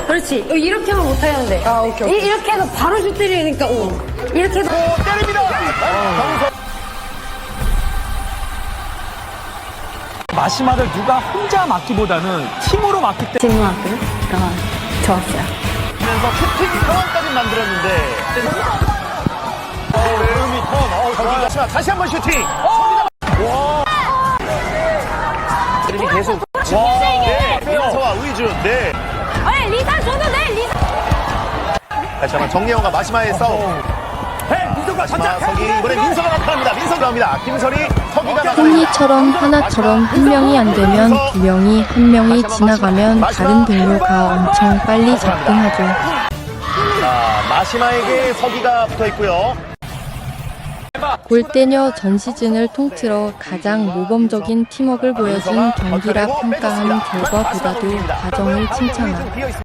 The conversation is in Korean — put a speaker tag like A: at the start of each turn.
A: 그렇지. 이렇게 하면 못하는데.
B: 아, 오케이.
A: 이렇게 해서 바로 슛 때리니까, 이렇게 해서.
C: 때립니다.
D: 마시마를 누가 혼자 맞기보다는 팀으로 맞기 때문에
A: 질문할게요. 좋았어요.
C: 그래서 슈팅 상황까지 만들었는데. 외음이 턴. 다시 한번 슈팅. 와. 드림이 계속. 와. 네. 민서와 의준. 네.
A: 리사 줘도 돼, 리사.
C: 다시 한번 정예원과 마시마의 싸움. 마시마, 서기. 이번에 민서가 나타납니다. 민서가 나옵니다. 김설이, 서기가 나타납니다.
E: 홈리처럼 하나처럼 한 명이 안 되면 두 명이, 한 명이 지나가면 다른 동료가 엄청 빨리 접근하죠.
C: 자, 마시마에게 서기가 붙어 있고요.
E: 골대녀 전 시즌을 통틀어 가장 모범적인 팀워크를 보여준 경기라 평가한 결과보다도 과정을 칭찬한